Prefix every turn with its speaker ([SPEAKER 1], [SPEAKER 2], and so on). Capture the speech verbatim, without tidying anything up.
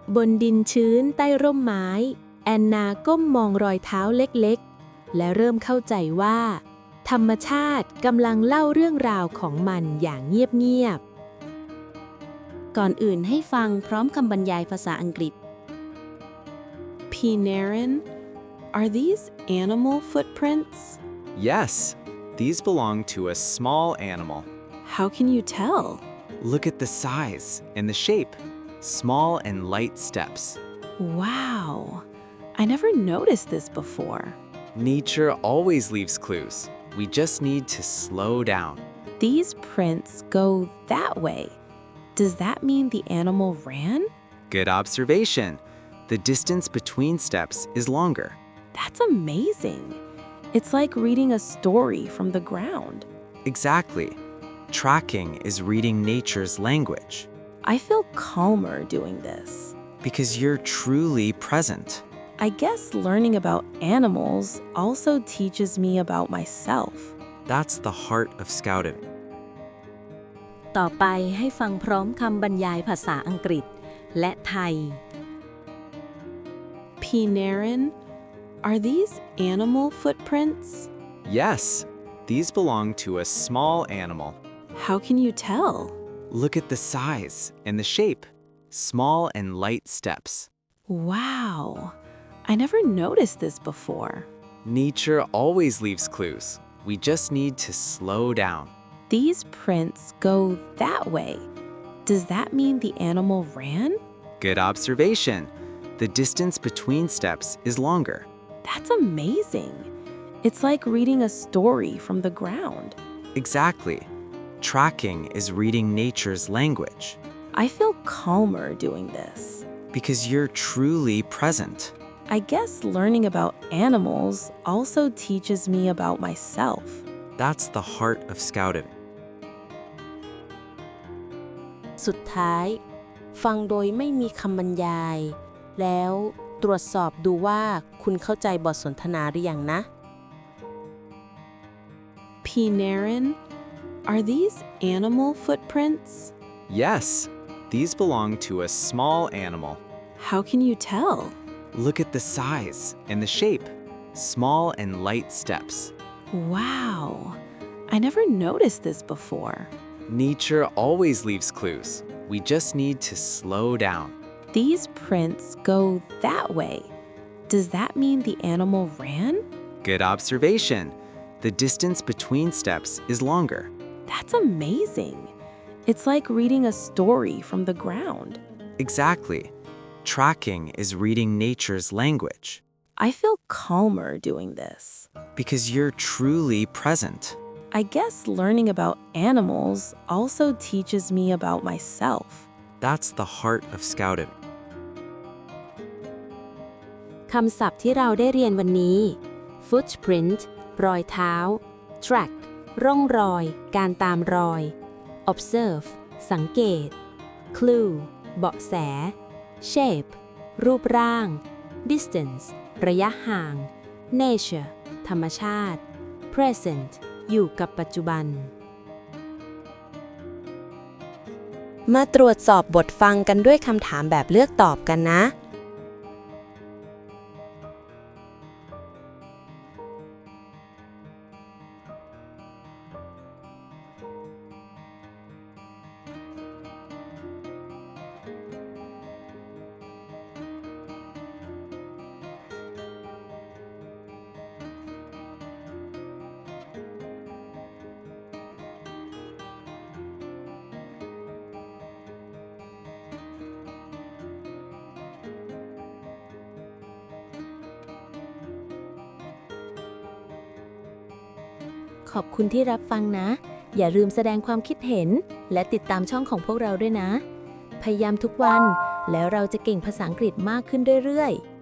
[SPEAKER 1] บนดินชื้นใต้ร่มไม้แอนนาก้มมองรอยเท้าเล็กๆและเริ่มเข้าใจว่าธรรมชาติกำลังเล่าเรื่องราวของมันอย่างเงียบๆก่อนอื่นให้ฟังพร้อมคำบรรยายภาษาอังกฤษ
[SPEAKER 2] Pinarin, are these animal footprints?
[SPEAKER 3] Yes, these belong to a small animal.
[SPEAKER 2] How can you tell?
[SPEAKER 3] Look at the size and the shape. Small and light steps.
[SPEAKER 2] Wow, I never noticed this before.
[SPEAKER 3] Nature always leaves clues. We just need to slow down.
[SPEAKER 2] These prints go that way. Does that mean the animal ran?
[SPEAKER 3] Good observation. The distance between steps is longer.
[SPEAKER 2] That's amazing. It's like reading a story from the ground.
[SPEAKER 3] Exactly. Tracking is reading nature's language.
[SPEAKER 2] I feel calmer doing this.
[SPEAKER 3] Because you're truly present.
[SPEAKER 2] I guess learning about animals also teaches me about myself.
[SPEAKER 3] That's the heart of Scouting.
[SPEAKER 1] ต่อไปให้ฟังพร้อมคำบรรยายภาษาอังกฤษและไทย
[SPEAKER 2] Pinarin, are these animal footprints?
[SPEAKER 3] Yes, these belong to a small animal.
[SPEAKER 2] How can you tell?
[SPEAKER 3] Look at the size and the shape. Small and light steps.
[SPEAKER 2] Wow, I never noticed this before.
[SPEAKER 3] Nature always leaves clues. We just need to slow down.
[SPEAKER 2] These prints go that way. Does that mean the animal ran?
[SPEAKER 3] Good observation. The distance between steps is longer.
[SPEAKER 2] That's amazing. It's like reading a story from the ground.
[SPEAKER 3] Exactly. Tracking is reading nature's language.
[SPEAKER 2] I feel calmer doing this.
[SPEAKER 3] Because you're truly present.
[SPEAKER 2] I guess learning about animals also teaches me about myself.
[SPEAKER 3] That's the heart of Scouting.
[SPEAKER 1] สุดท้ายฟังโดยไม่มีคำบรรยายแล้วตรวจสอบดูว่าคุณเข้าใจบทสนทนาหรือยังนะ
[SPEAKER 2] Pinarin, are these animal footprints?
[SPEAKER 3] Yes, these belong to a small animal.
[SPEAKER 2] How can you tell?
[SPEAKER 3] Look at the size and the shape. Small and light steps.
[SPEAKER 2] Wow, I never noticed this before.
[SPEAKER 3] Nature always leaves clues. We just need to slow down.
[SPEAKER 2] These prints go that way. Does that mean the animal ran?
[SPEAKER 3] Good observation. The distance between steps is longer.
[SPEAKER 2] That's amazing. It's like reading a story from the ground.
[SPEAKER 3] Exactly. Tracking is reading nature's language.
[SPEAKER 2] I feel calmer doing this.
[SPEAKER 3] Because you're truly present.
[SPEAKER 2] I guess learning about animals also teaches me about myself.
[SPEAKER 3] That's the heart of Scouting.
[SPEAKER 1] คำศัพท์ที่เราได้เรียนวันนี้ footprint รอยเท้า track ร่องรอย การตามรอย observe สังเกต clue เบาะแส shape รูปร่าง distance ระยะห่าง nature ธรรมชาติ present อยู่กับปัจจุบันมาตรวจสอบบทฟังกันด้วยคำถามแบบเลือกตอบกันนะขอบคุณที่รับฟังนะ อย่าลืมแสดงความคิดเห็นและติดตามช่องของพวกเราด้วยนะ พยายามทุกวันแล้วเราจะเก่งภาษาอังกฤษมากขึ้นเรื่อยๆ